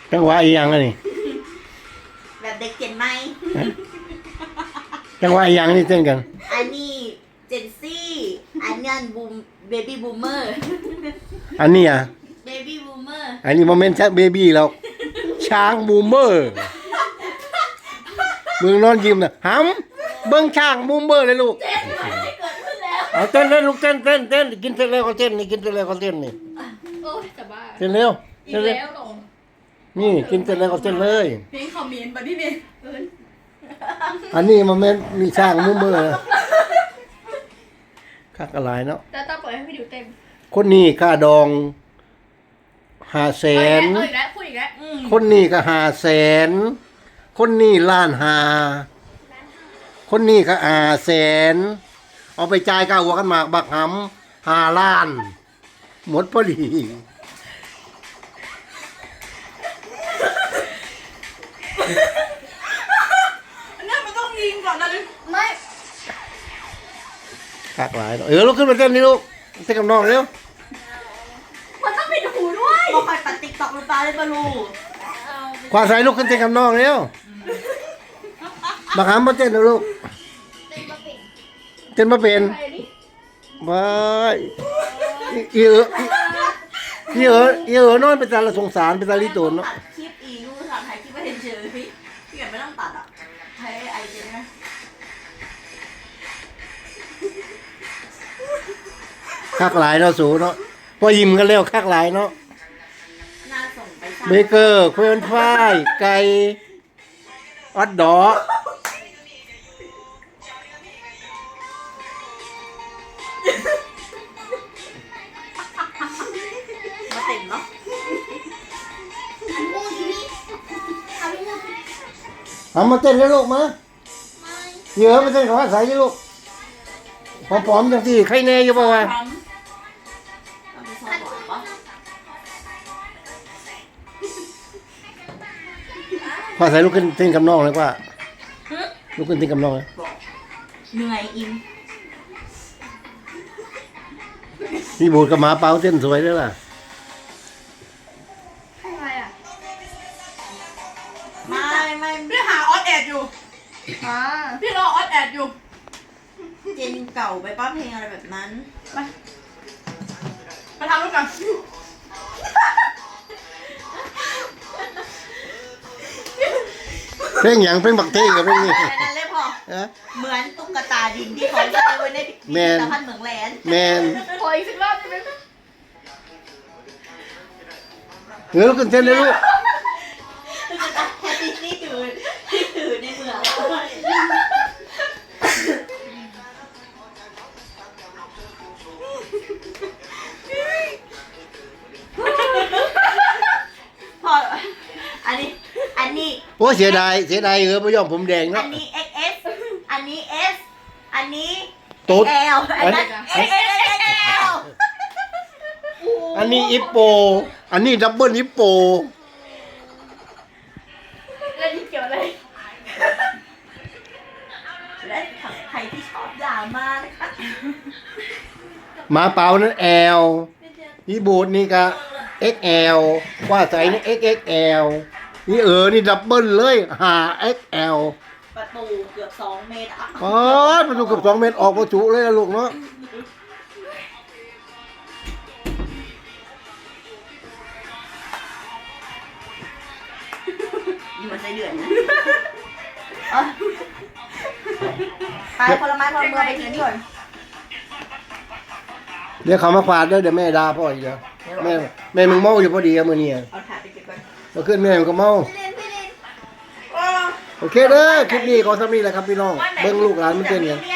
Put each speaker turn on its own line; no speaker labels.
จังหวะอีหยังอันนี้
แบบเด็กเจนไหม
จังหวะอีหยังนี่เต้นกัน
อันนี้เจนซี่อันนี้บูมเบบี้บูมเมอร์
อันนี้อ่ะ
เบบี้บูมเมอร์
อันนี้โมเมนต์เบบี้แล้วช้างบูมเมอร์เบิ่งนอนยิ้มน่ะหำเบิ่งช้างบูมเมอร์เลยลูกเอาเต้นเลยลูกเต้นกินเสร็จแล้วก็เต้นนี่กินเสร็จแล้วก็เต้นนี่
โอ้ยจะบ้า
เต้นเร็ว
อี
เต้
ก
นเร็ว
แล้วเหรอ
นี่กินเสร็จแล้วก็เต้นเลย
เพลงคอมเมนต์บัดนี้เนี่ย
อันนี้โมเมนต์มีช้างบูมเมอร์คักอะไรเนาะ
แล้วต้องปล่อยให้พี่ดิวเต็ม
คนนี้ค่าดอง500,000
เอาอีกแล้วพูดอีกแล้ว
คนนี้ก็500,000คนนี้1,500,000คนนี้ก็500,000เอาไปจ่ายค่าหัวกันหมากบักหำ5 ล้าน หมดพอดี
อันนี้มันต้องยิงก่อนนะไม่
คักหลายเนาะลุกขึ้นมาเต้นนี่ลูกเต้นกับน้องเร็ว
มันต้องปิดหูด้วย
บอกใครปัดติ๊กต็อกหรือเปล่าเลยบอลู
ความใส่ลุกขึ้นเต้นกับน้องเร็วบักหำมาเต้นนะลูกเต้นมาเป็น
ใครนี่
ว้ายอีนอนไปตาละสงสารไปตาลิโตนเนาะ
ตัดคลิปอีกูทำถ่ายคลิปไม่เห็นเจอพี่เกิดไม่ต้องตัดอ่ะใช้ไอเจนนะ
คักหลายเนาะสูเนาะพอยิ้มกันแล้วคักหลายเนาะ
น่าส่งไปสร้าง
เบเกอร์เควนฟ้ายไก่ออดดอก
มาเต็มเนาะ
ทำมาเต้นเลยลูกมาเยอะมาเต้นกับว่าใส่ยี่ลูกผอมๆจังที่ใครแน่อยู่ป่าวะ
ทำเอาไปซ่อนบ่อยปะ
พอใส่ลูกขึ้นเต้นกับน้องเลยว่าลูกขึ้นเต้นกับน้องเลย
บอกเหนื่อยอิม
พี่บูดกับหมาเปาเต้นสวยด้วยล่ะ
อะไรอ่ะ
ไม่
พี่หาออสแอดอยู่
อ่า
พี่รอออสแอดอยู่
เจนเก่าไปป้าเพลงอะไรแบบนั้น
ไปทำด้วยกัน
เพลงหยังเพลงบักเท่กับเพลงนี้
แต่นั้นเลยพอ
ฮะ
เหมือนตุ๊กตาดินที่เขาจะไว้ในพิพิธภัณฑ์เหมืองแหลน
แมน
ขออีกสักรอบได้ไหม
ลูกขึ้นเต้นเลยลูก
ตุ๊กตาแฮปปี้ที่ถือในเมืองพออันนี้
โอ้เสียดายไม่ยอมผมแดง
อั
เนาะ
นนี้ XS อันนี้ S อันนี้
ตุ๊ด
L อันนั้น XL
อันนี้อิปโป อันนี้ดับเบิลอิปโป
แล้วนี่เกี่ยวอะไร
และใครที่ชอบด่ามานะคะ
หมาเปานั้นแอลนี่บูดนี่ก็ XL ว่าใส่นี่ XXL นี่นี่ดับเบิลเลย5XL
ประตูเกือบ2 เมตรอ่ะ
อ๋อประตูเกือบ2 เมตรออกประจุเลยนะลูกเนาะ
อยู่มันใจเดือดนะไปผลไม้พอมือไปทิ้งก่อน
เดี๋ยวเขามาฝาดเด้อเดี๋ยวแม่ด่าพ่ออีกแล้วแม่มึงเมาอยู่พอดีอะมื้อนี้
เอาถาดไปเก็บก่อน
ก็ขึ้นแม่มันก็เมา โอเคเด้อคลิปนี้ขอสำนี้แหละครับพี่น้องเบิ่งลูกหลานมันเต้นกัน
เรีย